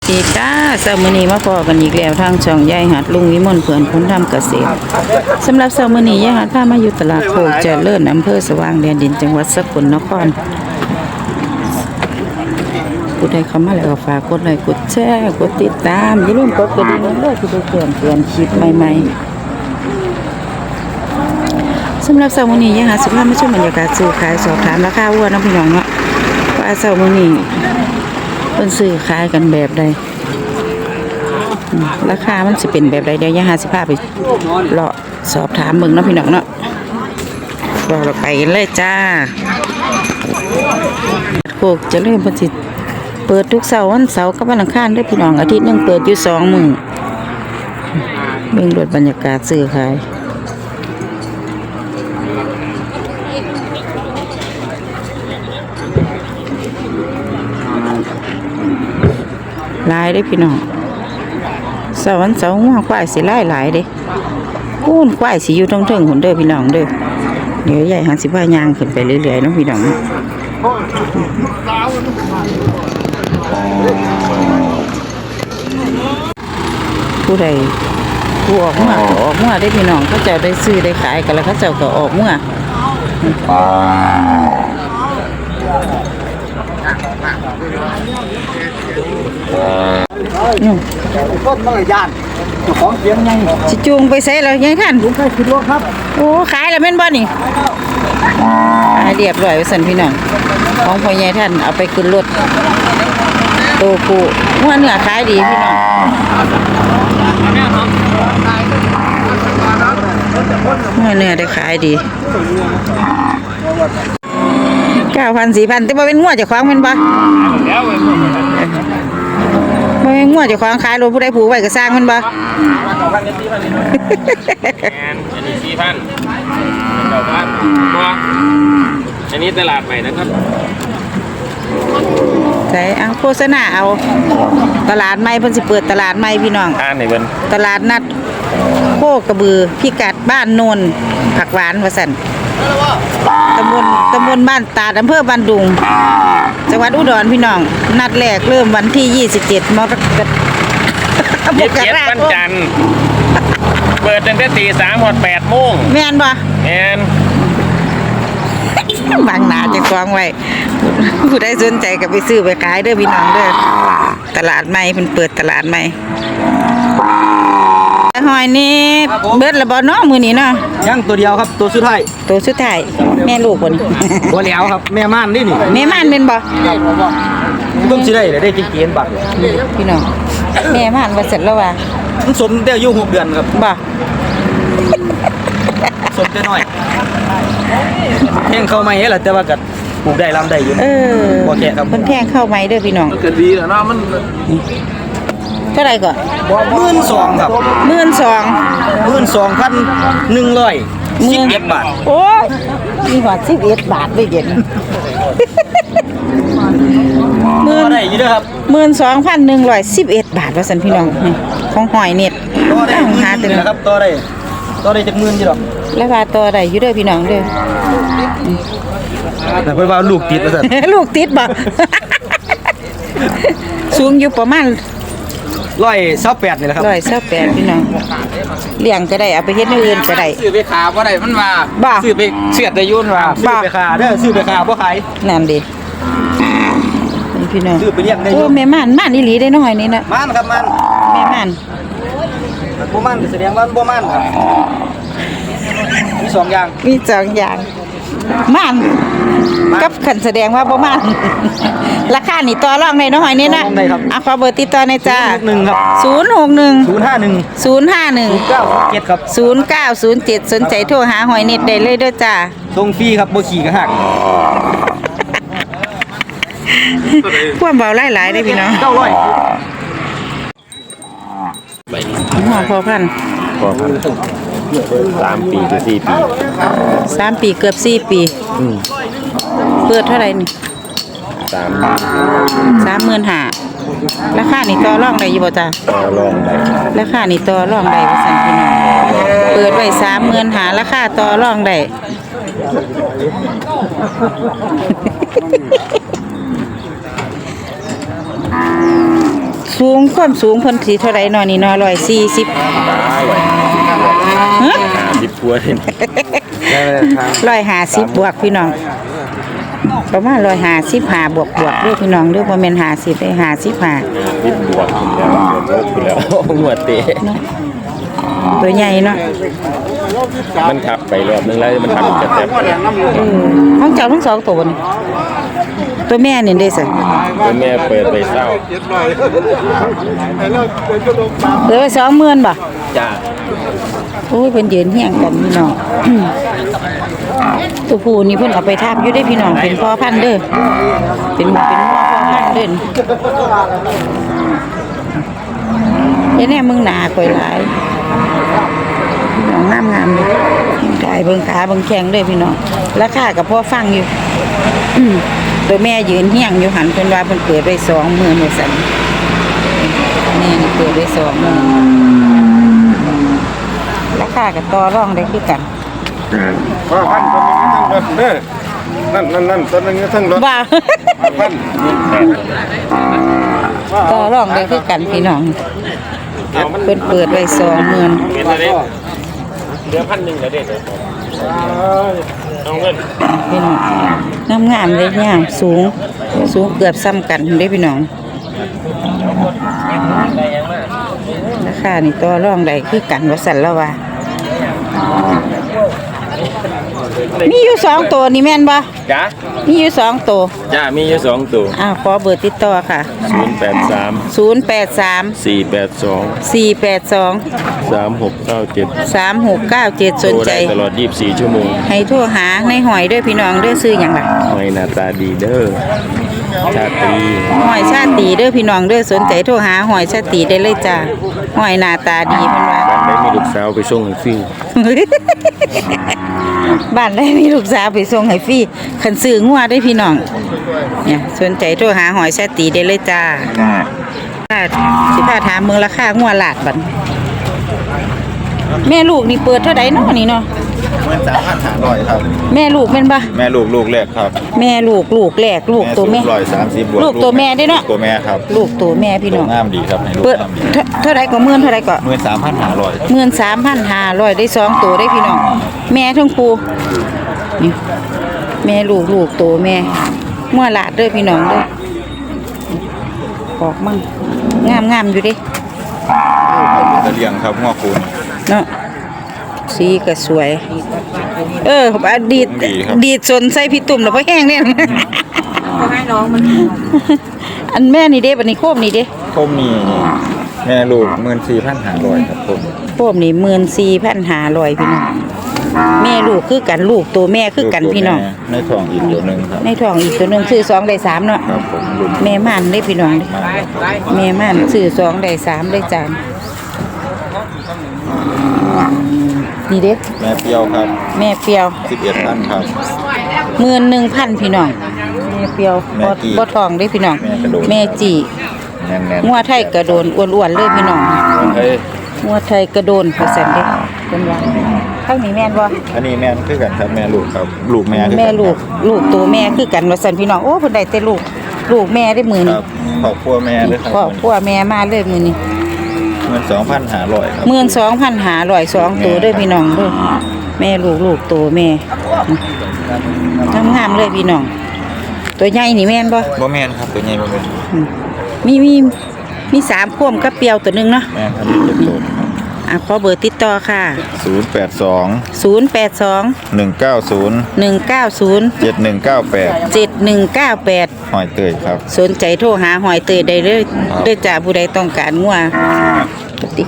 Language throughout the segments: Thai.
ดีจ้าเช้ามื้อนี้มาพอกันอีกแล้วทางช่องยายหัดลุงวิมลเพื่อนคนทำเกษตรสำหรับเช้ามื้อนี้ยายหัดพามาอยู่ตลาดโคกเจริญอำเภอสว่างแดนดินจังหวัดสกลนครผู้ใดเข้ามาแล้วก็ฝากกดไลค์กดแชร์กดติดตามอย่าลืมกดกระดิ่งด้วยที่ได้แจ้งเตือนคลิปใหม่ๆสำหรับเช้ามื้อนี้ยายหัดสิพามาชมบรรยากาศซื้อขายสอบถามราคาวัวน้องพี่น้องเนาะว่าเช้ามื้อนี้เพิ่นซื้อขายกันแบบใดราคามันสิเป็นแบบใดเดี๋ยวยายหาสิพาไปเลาะสอบถามเบิ่งเนาะพี่น้องเนาะเราไปกันเลยจ้าโคกเจริญเพิ่นสิเปิดทุกเสาร์วันเสาร์กับวันอังคารเด้อพี่น้องอาทิตย์นึงเปิดอยู่2 มื้อเบิ่งรถบรรยากาศซื้อขายหลายเด้อพี่น้องเสาร์วันเสาร์หัวควายสิหลายเด้พูนควายสิอยู่ตรงเทิงหุ่นเด้อพี่น้องเด้อเดี๋ยวใหญ่หันสิพายางขึ้นไปเรื่อยๆเนาะพี่น้องผู้ใดผู้ออกเมื่อก็ออกเมื่อได้พี่น้องเขาเจ้าได้ซื้อได้ขายกันแล้วเขาเจ้าก็ออกเมื่อต้นมะละยานของเสียงไงสิจูงไปใส่แล้วยังท่านลุงไปขึ้นรถครับโอ้ขายแล้วแม่นบ่นี่ขายเรียบร้อยไว้สั่นพี่น้องของพ่อใหญ่ท่านเอาไปขึ้นรถโตปูหัวเนื้อขายดีพี่น้องหัวเนื้อได้ขายดี9,000 4,000แต่บ่เป็นงัวเจ้าของแม่นบ่บ่เป็นงัวเจ้าของขายรถผู้ใดผูกไว้ก็สร้างมันบ่อันนี้4,000ตัวอันนี้ตลาดใหม่นะครับใส่เอาโฆษณาเอาตลาดใหม่เพิ่นสิเปิดตลาดใหม่พี่น้องนี่เพิ่นตลาดนัดโคกระบือพิกัดบ้านโนนผักหวานว่าซั่นตำบลบ้านตาดอำเภอบ้านดุงจังหวัดอุดรพี่น้องนัดแรกเริ่มวันที่27มกราคมวันจันทร์เปิดตั้งแต่ตี 3 ถึง 8 โมงแม่นบ่แม่นบางนาจะกองไว้ผู้ใดสนใจก็ไปซื้อไปขายเด้อพี่น้องเด้อตลาดใหม่เพิ่นเปิดตลาดใหม่หอยนี่เบิดละบ่เนาะมื้อนี้เนาะยังตัวเดียวครับตัวสุดท้ายแม่ลูกบ่นี่บ่แล้วครับแม่ม่านนี่นี่แม่ม่านเป็นบ่เพิ่งสิได้กินเกณฑ์บักพี่น้องแม่ม่านว่าเสร็จแล้วว่ามันสมแต่อายุ6 เดือนครับบ่สมแต่น้อยแห้งเข้าใหม่แหละแต่ว่าก็ปลูกได้ลำได้อยู่บ่แก่ครับเพิ่นแพงเข้าใหม่เด้อพี่น้องก็ดีแล้วเนาะมันเท่าไหร่ก่อน 12,000ครับ12,111 บาทโอ้มีหอด11 บาทเลยเดี๋ยวนี้ได้อยู่เด้อครับ 12,111 บาทว่าซั่นพี่น้องของหอยเน็ตต้องหาตึงนะครับต่อได้จักหมื่นอยู่ดอกแล้วว่าต่อได้อยู่เด้อพี่น้องเด้อแต่เพิ่นว่าลูกติดว่าซั่นลูกติดบ่สูงอยู่ประมาณ 128นี่แหละครับ 128พี่น้องเลี้ยงก็ได้เอาไปเฮ็ดอย่างอื่นก็ได้ซื้อไปขาบ่ได้มันว่าซื้อไปเสียดได้ยุ่นว่าซื้อไปขาเด้อซื้อไปขาบ่ขายนั่นดิพี่น้องซื้อไปเลี้ยงได้โอ้แม่ม่านอีหลีได้น้อยนี่นะม่านครับม่านแม่ม่านบ่ม่านแสดงว่าบ่ม่านครับมี2 อย่างม่านกับขันแสดงว่าบ่ม่านราคานี่ต่อรองได้น้อยนี่นะขอเบอร์ติดต่อหน่อยจ้า 061ครับ 061 051 0907ครับ 0907สนใจโทรหาหอยเน็ตได้เลยเด้อจ้าส่งฟรีครับบ่ขี่ก็หักความเบาหลายๆได้พี่น้อง 900 หัวพอพัน 3 ปีถึง 4 ปี 3 ปีเกือบ4 ปีเปิดเท่าไหร่นี่35,000ราคานี่ต่อรองได้อยู่บ่จ้าลองได้ราคานี่ต่อรองได้ว่าซั่นพี่น้องเปิดไว้35,000ราคาต่อรองได้ ขสูงความสูงเพิ่นสิเท่าไรเนาะนี่เนาะ140 ได้เลย50กว่าเอง 150บวกพี่น้องประมาณ155บวกเด้อพี่น้องเด้อบ่แม่น50ได้55 10บวกขึ้นแล้วหัวเตะตัวใหญ่เนาะมันขับไปรอบนึงแล้วมันขับจะแตบห้องเจ้าทั้งสองตัวนี่ตัวแม่นี่เด้สิตัวแม่เปิดไปเศร้าเหลือไป20,000บ่จ้าโอ้ยเพิ่นยืนเฮียงกันพี่น้อง ตัวผู้นี่เพิ่นเอาไปทาบอยู่ได้พี่น้องเป็นพ่อพันธุ์เด้อเป็นพ่อพันธุ์เด้อเดี๋ยวแน่มึงหนาข่อยหลายน้องงามเลยกายเบิ่งขาเบิ่งแข้งเด้อพี่น้องราคาก็พอฟังอยู่ ตัวแม่ยืนเฮียงอยู่หันเพิ่นว่าเพิ่นเปิดไว้20,000ว่าซั่นนี่เปิดไว้20,000ราคาก็ต่อรองได้คือกันว่าพันตัวนี้ทั้งรถเด้อนั่นตัวนี้ทั้งรถว่าพันต่อรองได้คือกันพี่น้องเพิ่นเปิดไว้20,000 เป็นอะไรเหลือ1,000แล้วเด็ดเอาเงินพี่น้องงามๆเลยงามสูงเกือบซ้ำกันเด้พี่น้องราคานี่ต่อรองได้คือกันว่าซั่นแล้วว่ามีอยู่2ตัวนี่แม่นบ่จ้ามีอยู่2ตัวจ้ามีอยู่2ตัวขอเบอร์ติดต่อค่ะ 083 083 482 482 3697 3697สนใจตลอด24ชั่วโมงให้โทรหาในหอยด้วยพี่น้องเด้อซื้อหยังล่ะหอยหน้าตาดีเด้อชาตรีหอยชาติเด้อพี่น้องเด้อสนใจโทรหาหอยชาติได้เลยจ้าหอยหน้าตาดีเพิ่นว่าบ้านได้มีลูกสาวไปส่งให้ฟรีบ้านได้มีลูกสาวไปส่งให้ฟรีคันซื้องัวได้พี่น้องเนี่ยสนใจโทรหาหอยชาติได้เลยจ้าสิพาถามเมืองราคางัวหลาดบัดแม่ลูกนี่เปิดเท่าใดเนาะนี่เนาะ 13,500ครับแม่ลูกแม่นบ่แม่ลูกแรกครับแม่ลูกแรกลูกตัวแม่ 130บวกลูกตัวแม่ได้เนาะตัวแม่ครับลูกตัวแม่พี่น้องงามดีครับให้ลูกเปิดงามดีเท่าไรก็13,000เท่าไรก็ 13,500 13,500ได้2ตัวได้พี่น้องแม่ทั้งคู่นี่แม่ลูกตัวแม่งัวหลาดเด้อพี่น้องเด้อออกมั่งงามอยู่เด้ตะเลียงครับหัวคูณเนาะสีก็สวยอดีตดีครับดีดสนใส่พี่ตุ่มแล้วบ่แห้งเนี่ยให้น้องมันอันแม่นี่เด้บัดนี้โคมนี่เด้ผมมีแม่ลูก14,500ครับผมโคมนี่14,500พี่น้องแม่ลูกคือกันลูกตัวแม่คือกันพี่น้องในท้องอีกตัวหนึงครับในท้องอีกตัวหนึงซื้อ2ได้3เนาะครับผมลูกแม่ม่านได้พี่น้องเด้มาแม่ม่านซื้อ2ได้3ได้จานนี่เด้แม่เปรี้ยวครับแม่เปียว 11,000ครับ 11,000พี่น้องแม่เปียวแม่จี้บ่ทองได้พี่น้องแม่กระโดดแม่จีแน่นงัวไทยกระโดนอ้วนๆเลยพี่น้องๆเฮ้ยงัวไทยกระโดนเปอร์เซ็นต์เด้เพิ่นว่าข้างนี้แม่นบ่อันนี้แม่นคือกันครับแม่ลูกครับลูกแม่คือกันแม่ลูกตัวแม่คือกันว่าซั่นพี่น้องโอ้เพิ่นได้แต่ลูกแม่ได้มื้อคนี้รับครอบครัวแม่ด้วยครับพ่อแม่มาเลยมื้อนี้ 12,500ครับ 12,500 2ตัวเด้อพี่น้องเด้อแม่ลูกตัวแม่งามๆเลยพี่น้องตัวใหญ่นี่แม่นบ่บ่แม่นครับตัวใหญ่บ่แม่นมี3พ่วมกับเปียวตัวหนึงเนาะแม่นครับเจ็บโตครับขอเบอร์ติดต่อค่ะ 082 082 190 190 7198 7198 หอยเตยครับสนใจโทรหาหอยเตยได้เลยด้วยจ้าผู้ใดต้องการงัวปฏิ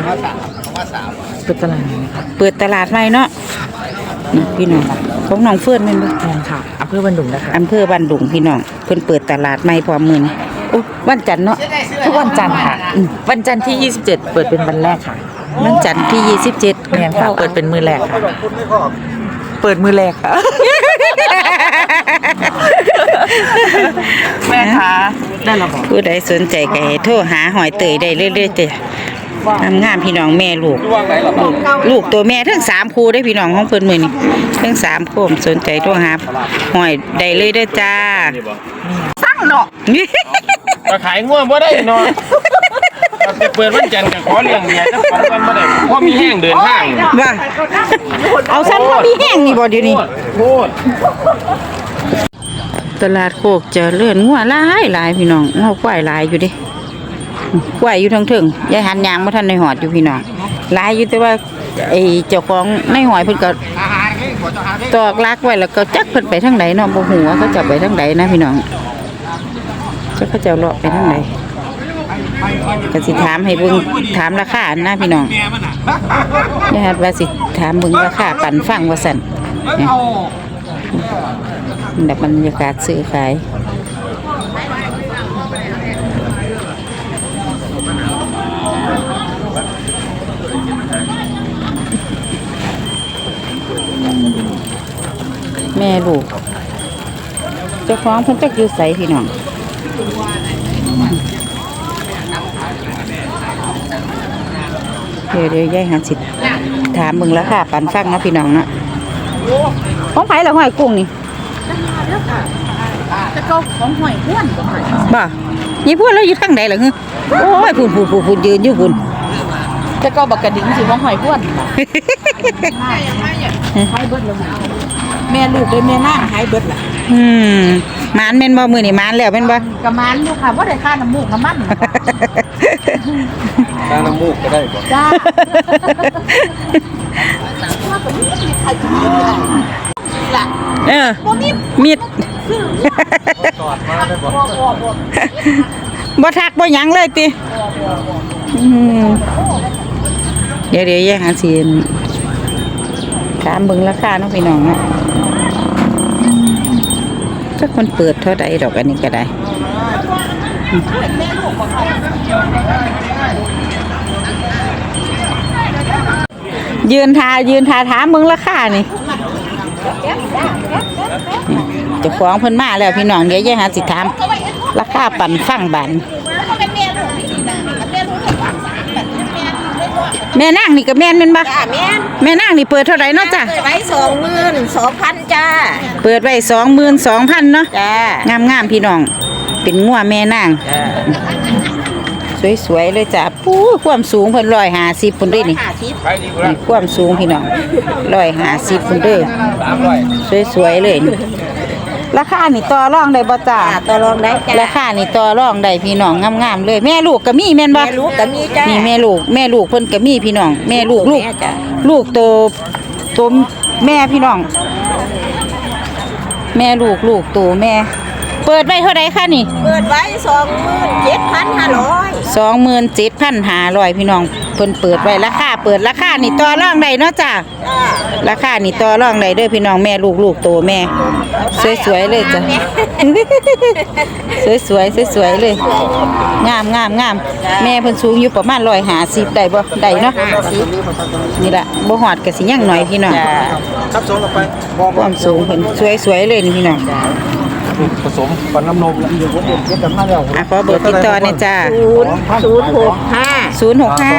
เปิดตลาดใหม่เนาะนี่พี่น้องของน้องเฟื่อนแม่นบ่ค่ะอำเภอบันดุงนะคะอำเภอบ้านดุงพี่น้องเพิ่นเปิดตลาดใหม่พร้อมมื้อนี้โอ้วันจันทร์เนาะทุกวันจันทร์ค่ะ วันจันทร์ที่ 27 เปิดเป็นวันแรกค่ะวันจันทร์ที่27 แม่นค่ะเปิดเป็นมือแรกค่ะ เปิดมือแรกค่ะ แม่คะได้ระบอกผู้ใดสนใจก็ให้โทรหาหอยเตยได้เรื่อยๆจ้ะงามๆพี่น้องแม่ลูกตัวแม่ทั้ง3คู่ได้พี่น้องของเพิ่นมื้อนี้ทั้ง3คู่สนใจโทรหาหอยได้เลยเด้อจ้าสร้างเนาะก็ขายง่วงบ่ได้เนาะจะเปิดวันจันทร์ก็ขอเลี้ยงเมียจัก2วันบ่ได้เพราะมีแห้งเดินทางว่าเอาสั้นพอมีแห้งนี่บ่เดี๋ยวนี้โคตรตลาดโคกเจริญงัวหลายพี่น้องงัวควายหลายอยู่เดิควายอยู่ทั้งถึงยายหันยางบ่ทันในหอดอยู่พี่น้องหลายอยู่แต่ว่าไอ้เจ้าของในหอยเพิ่นก็ตอกลักไว้แล้วก็จักเพิ่นไปทางไหนเนาะบ่ฮู้ว่าเขาจะไปทางไหนนะพี่น้องจักเขาจะเลาะไปทางไหนก็สิถามให้เบิ่งถามราคานะพี่น้องยายหัดว่าสิถามเบิ่งราคาปั่นฟังว่าซั่นแบบบรรยากาศซื้อขายแม่ลูกเจ้าของเพิ่นจักอยู่ไสพี่น้องเดี๋ยวยายหาสิถามมึงราคาปั่นฟังนะพี่น้องเนาะของไผล่ะห้อยกุ้งนี่จะเก่าของห้อยพ่วนบ่ยี่พ่วนแล้วอยู่ทางใดล่ะฮึโอ้ยพูนยืนอยู่พุ่นจะเก่าบักกระดิ่งสิของห้อยพ่วนหายเบิดแล้วแม่ลูกเลยแม่นางหายเบิดล่ะมานแม่นบ่มื้อนี้มานแล้วแม่นบ่ก็มานอยู่ค่ะบ่ได้ค่าน้ำมูกน้ำมันค่าน้ำมูกก็ได้บ่จ้ามิดบ่ทักบ่หยังเลยติเดี๋ยวแย่งหาสิถามเบิ่งราคาเนาะพี่น้องเนาะจักมันเปิดเท่าใดดอกอันนี้ก็ได้ยืนทาถามเบิ่งราคานี่เจ้าของเพิ่นมาแล้วพี่น้องเดี๋ยวแย่งหาสิถามราคาปั่นฟังบันแม่นางนี่ก็แม่นบ่จ้าแม่นางนี่เปิดเท่าไหร่เนาะจ้ะเปิดไว้22,000จ้าเปิดไว้22,000เนาะจ้างามพี่น้องเป็นงัวแม่นางสวยๆเลยจ้ะปู้ความสูงเพิ่น150พุ่นเด้นี่ความสูงพี่น้อง150พุ่นเด้อสวยๆเลยราคานี่ต่อรองได้บ่จ้าต่อรองได้จ้าราคานี่ต่อรองได้พี่น้องงามๆเลยแม่ลูกก็มีแม่นบ่แม่ลูกก็มีจ้านี่แม่ลูกเพิ่นก็มีพี่น้องแม่ลูกลูกโตแม่พี่น้องแม่ลูกโตแม่เปิดไว้เท่าใดคะนี่เปิดไว้ 27,500พี่น้องเพิ่นเปิดไว้ราคานี่ต่อรองได้เนาะจ้าราคานี่ต่อรองได้เด้อพี่น้องแม่ลูกโตแม่สวยๆเลยจ้ะสวยเลยงามแม่เพิ่นสูงอยู่ประมาณ150ได้บ่ได้เนาะนี่ล่ะบ่ฮอดก็สิยังหน่อยพี่น้องครับส่งไปความสูงเพิ่นสวยๆเลยนี่พี่น้องผสมปันน้ำนมแล้วเดี๋ยวผมเก็บกันมาแล้วขอเบอร์ติดต่อหน่อยจ้า 065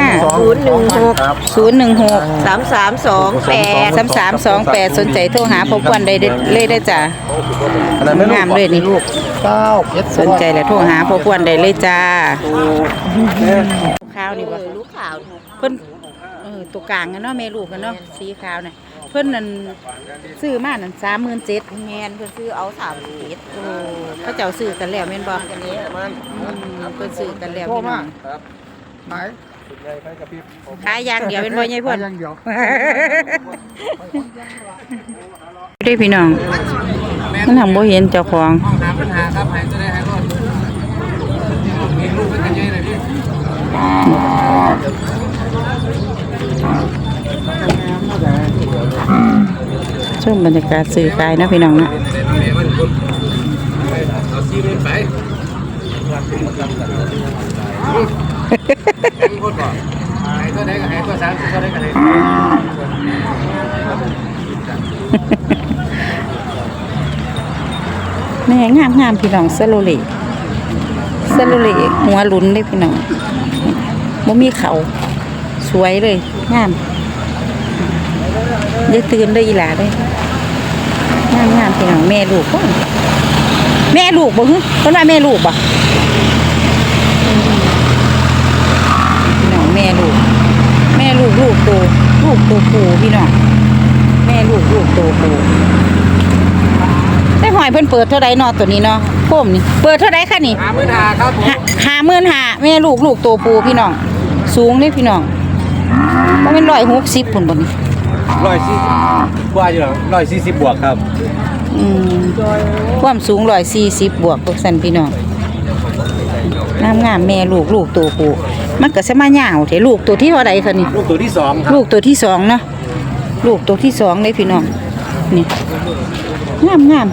3328สนใจโทรหาพบวันได้เลยได้จ้างามเลยนี่ลูกสนใจแล้วโทรหาพบวันได้เลยจ้าข้าวนี่บ่ลูกขาวเพิ่นตัวกลางกันเนาะแม่ลูกกันเนาะสีขาวน่ะเพิ่นนั่นซื้อมานั่น37,000 แม่นเพิ่นซื้อเอา37 โอ้เขาเจ้าซื้อกันแล้วแม่นบ่อันนี้มันเพิ่นซื้อกันแล้วพี่น้องครับขายขายอย่างเดียวเป็นบ่ใหญ่พ่นอย่างเดียวได้พี่น้องมันทำบ่เห็นเจ้าของชมบรรยากาศซื้อขายนะพี่น้องนะแม่งามพี่น้องซาโลเล่หัวลุ้นเลยพี่น้องบ่มีเขาสวยเลยงามได้ตื่นได้อีหลาเลยงามพี่น้องแม่ลูกบ่ฮึเพิ่นว่าแม่ลูกบ่ลูกตัวผู้พี่น้องแม่ลูกตัวผู้แต่หอยเพิ่นเปิดเท่าใดเนาะตัวนี้เนาะโคมนี่เปิดเท่าใดคะนี่ 55,000ครับผม 55,000แม่ลูกตัวผู้พี่น้องสูงเด้พี่น้องบ่แม่น160พุ่นบ่นี่ 140กว่าอยู่140บวกครับความสูง140บวกพวกซั่นพี่น้องงามแม่ลูกตัวผู้มันก็สิมายาวแท้ลูกตัวที่เท่าใดคะนี่ลูกตัวที่2ครับลูกตัวที่2เนาะลูกตัวที่2เลยพี่น้องนี่งาม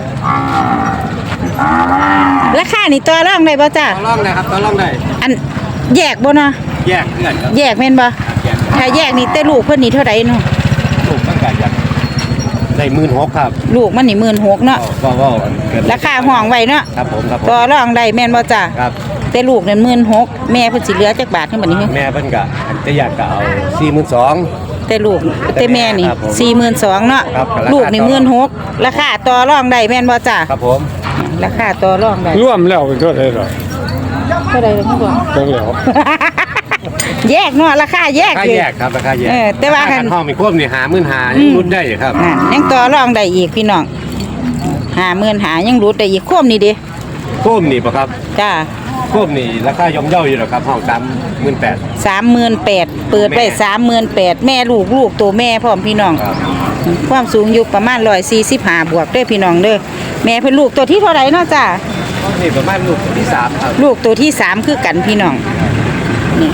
ราคานี่ต่อรองได้บ่จ้าต่อรองได้ครับต่อรองได้อันแยกบ่เนาะแยกเพื่อนครับแยกแม่นบ่ถ้าแยกนี่แต่ลูกเพิ่นนี่เท่าใดเนาะลูกมันก็อยากได้16,000ครับลูกมันนี่16,000เนาะว่าเกินราคาห้องไว้เนาะครับผมต่อรองได้แม่นบ่จ้าครับแต่ลูกนั่น16,000แม่เพิ่นสิเหลือจักบาทเท่าบัดนี้แม่เพิ่นก็จะอยากก็เอา42,000 แต่ลูกแต่แม่นี่ครับผม 42,000เนาะครับลูกนี่16,000ราคาต่อรองได้แม่นบ่จ้าครับผมราคาต่อรองได้รวมแล้วเป็นเท่าไหร่หรอเท่าใดเนาะบ่จังแล้วแยกเนาะราคาแยกราคาอยู่แยกครับราคาแยกแต่ว่าคันห้องมีควบนี่55,000ยังรุดได้ครับยังต่อรองได้อีกพี่น้อง50,000ยังรูดได้อีกโคมนี่ดิควบนี่ป่ะครับจ้าควบนี่ราคาย่อมเยาอยู่หรอกครับห้อง38,000 38,000เปิดไว้38,000แม่ลูกตัวแม่พร้อมพี่น้องครับความสูงอยู่ประมาณ145บวกเด้อพี่น้องเด้อแม่เพิ่นลูกตัวที่เท่าไหร่เนาะจ้านี่ประมาณลูกตัวที่3ครับลูกตัวที่3คือกันพี่น้องนี่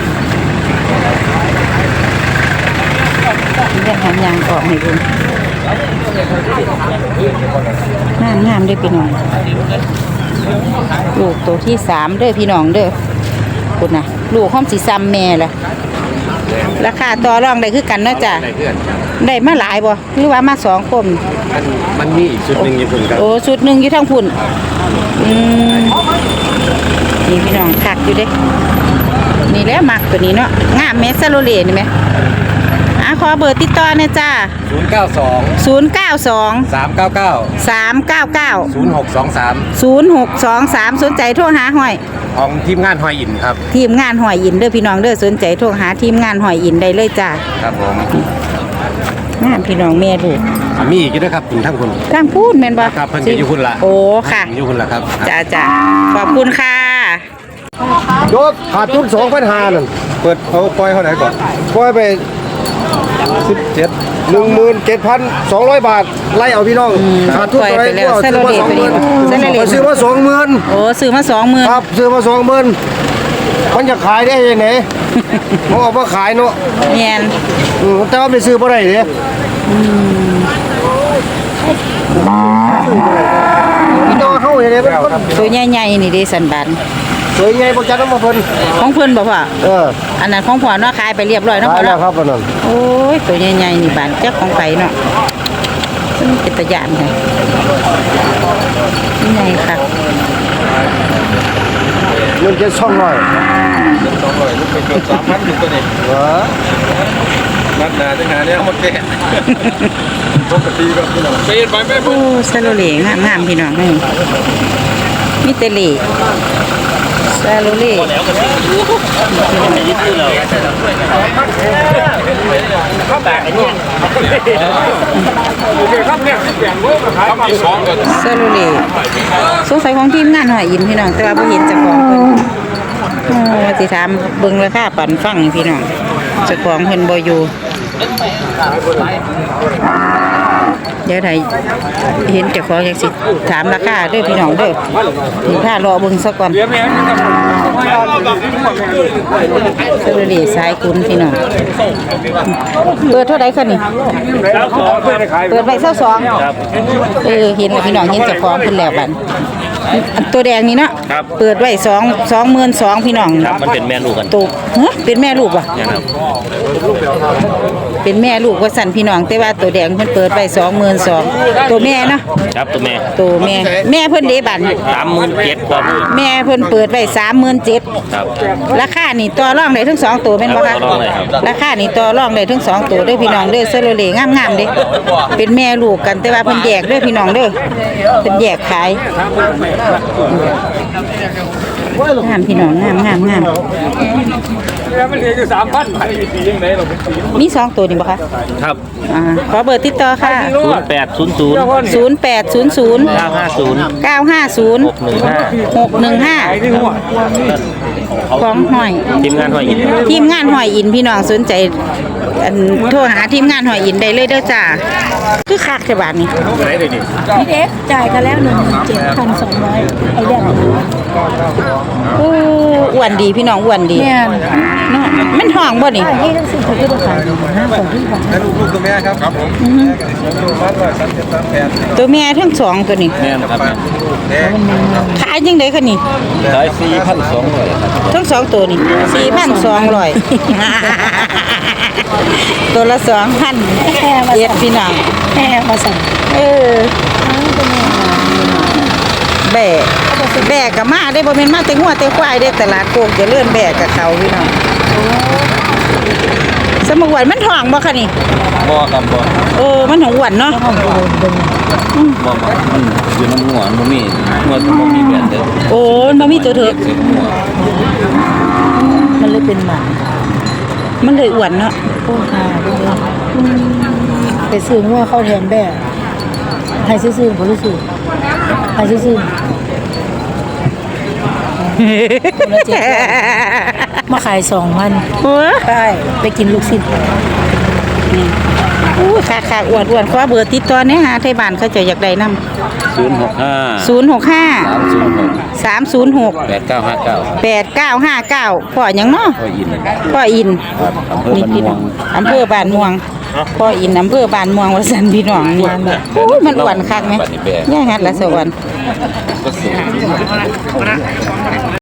ยังหันยางออกให้ดูงามเด้อพี่น้องลูกตัวที่3เด้อพี่น้องเด้อคุณน่ะลูกห้อมสิซ้ำแม่ล่ะราคาต่อรองได้คือกันเนาะจ้ะได้เพื่อนครับได้มาหลายบ่หรือว่ามา2คนมันมีอีกชุดหนึงอยู่คุณครับโอ้ชุดหนึงอยู่ทางพุ่นนี่พี่น้องคักอยู่เด้นี่แหละมักตัวนี้เนาะงามแม่ซาโลเลนี่แม่ขอเบอร์ติดต่อหน่อยจ้า 092 092 399 399 0623 0623สนใจโทรหาห้อยของทีมงานหอยอินครับทีมงานหอยอินเด้อพี่น้องเด้อสนใจโทรหาทีมงานหอยอินได้เลยจ้าครับผมงามพี่น้องแม่ลูกมีอีกด้วยครับคุณทั้งคุณทางพูดแม่นบ่ครับเพิ่นก็อยู่คุณละโอ้ค่ะอยู่คุณละครับจ้าขอบคุณค่ะยกขาดทุน2,500นั่นเปิดเอาปล่อยเท่าไหร่ก่อนปล่อยไป17,200 บาทไล่เอาพี่น้องขาดทุนปล่อยไปแล้วซาโลเลตัวนี้ซาโลเลซื้อมา20,000 โอ้ซื้อมา20,000 ครับซื้อมา20,000มันจะขายได้ยังไงมันออกมาขายเนาะแม่นแต่ว่าไปซื้อบ่ได้เด้พี่น้องเฮาอย่างนี้เป็นคนตัวใหญ่ๆนี่เด้สันบานสวยไงบ่จัดนำมาเพิ่นของเพิ่นบ่พ่อออันนั้นของพ่อเนาะขายไปเรียบร้อยเนาะขายพ่อแล้วเนาะครับอันนั้นโอ้ยตัวใหญ่ๆนี่บานจักของไปเนาะซึ่งเป็นตะยานค่ะใหญ่ค่ะเงินจะ200 200ลูกเป็น3,000อยู่ตัวนี้เหรอนัดหน้าจังหาเนี่ยเอามาแก้ปกติก็พี่น้องไปไปไปโอ้ซาโลเลงามๆพี่น้องมีแต่เหล่ซาโลเลครับที่2ก็ซาโลเลสงสัยของทีมงานหอยอินพี่น้องแต่ว่าบ่เห็นเจ้าของเพิ่นโอ้สิถามเบิ่งราคาปันฟังนี่พี่น้องเจ้าของเพิ่นบ่อยู่เดี๋ยวไทยเห็นเจ้าของอยากสิถามราคาเด้อพี่น้องเด้อนี่ถ้ารอเบิ่งซะก่อนซาโลเลสายคุณพี่น้องเปิดเท่าใดคะนี่เปิดไว้22เห็นแล้วพี่น้องเห็นเจ้าของเพิ่นแล้วบัดอันตัวแดงนี่เนาะเปิดไว้22,000พี่น้องมันเป็นแม่ลูกกันตัวเป็นแม่ลูกว่ะนะครับเป็นแม่ลูกว่าสั่นพี่น้องแต่ว่าตัวแดงเพิ่นเปิดไว้22,000ตัวแม่เนาะครับตัวแม่ตัวแม่เพิ่นเด้บัด 37,000ครับแม่เพิ่นเปิดไว้37,000 ครับราคานี่ต่อรองได้ทั้ง2ตัวแม่นบ่คะต่อรองได้ครับราคานี่ต่อรองได้ทั้ง2ตัวเด้อพี่น้องเด้อเซโลเลงามๆเด้เป็นแม่ลูกกันแต่ว่าเพิ่นแยกเด้อพี่น้องเด้อเพิ่นแยกขายงามพี่น้องงามแล้วมันเหลืออยู่3,000ไปสียังไงเราสีมี2ตัวนี่บ่คะครับขอเบอร์ติดต่อค่ะ 0800 0800 950 950 615 615ของหอยทีมงานหอยอินทีมงานหอยอินพี่น้องสนใจอันโทรหาทีมงานหอยอินได้เลยเด้อจ้าคือคักแค่บาทนี้พี่เด็กจ่ายกันแล้ว17,200ไอ้แดงโอ้อ้วนดีพี่น้องอ้วนดีแม่นเนาะมันห้องบ่นี่นี่ทั้งสิ้นเขาคือบ่ขาย5ของที่ของแล้วลูกตัวแม่ครับผมลูกมัน13738 ตัวแม่ทั้งสองตัวนี้แม่นครับขายจังได๋คะนี่ขาย4,200ครับทั้งสองตัวนี่ 4,200 ตัวละ 2,000 แค่มาเอ็ดพี่น้องแค่มาสั่งเออแบกกับมาได้บ่แม่นมาแต่งัวแต่ควายได้ตลาดโคกเจะเลื่อนแบกกับเขาพี่น้องสมหวนมันท้องบ่คะนี่บ่ครับบ่โอ้มันของหวนเนาะบ่มันอยู่น้ำหัวบ่มีหัวบ่มีแบบเด้อโอ้มันบ่มีตัวเถอะเสียหัวมันเลยเป็นหมันมันเลยอ้วนเนาะโอ้ค่ะไปซื้องัวเข้าแทนแบ่ให้ซื้อๆบ่รู้สึกให้ซื้อๆมาขาย2,000 โอ้ได้ไปกินลูกชิ้นอู้ค่ะอ้วนขอเบอร์ติดต่อแหน่หาไทบ้านเขาเจะอยากได้นำ 065 065 306 8959 8959พ่อหยังเนาะก็อินพ่ออินครับอำเภอบ้านม่วงอำเภอบ้านม่วงพ่ออินอำเภอบ้านม่วงว่าซั่นพี่น้องนี่โอ้ยมันอ้วนคักแหมย่าหัดละสวรรค์ก็สูง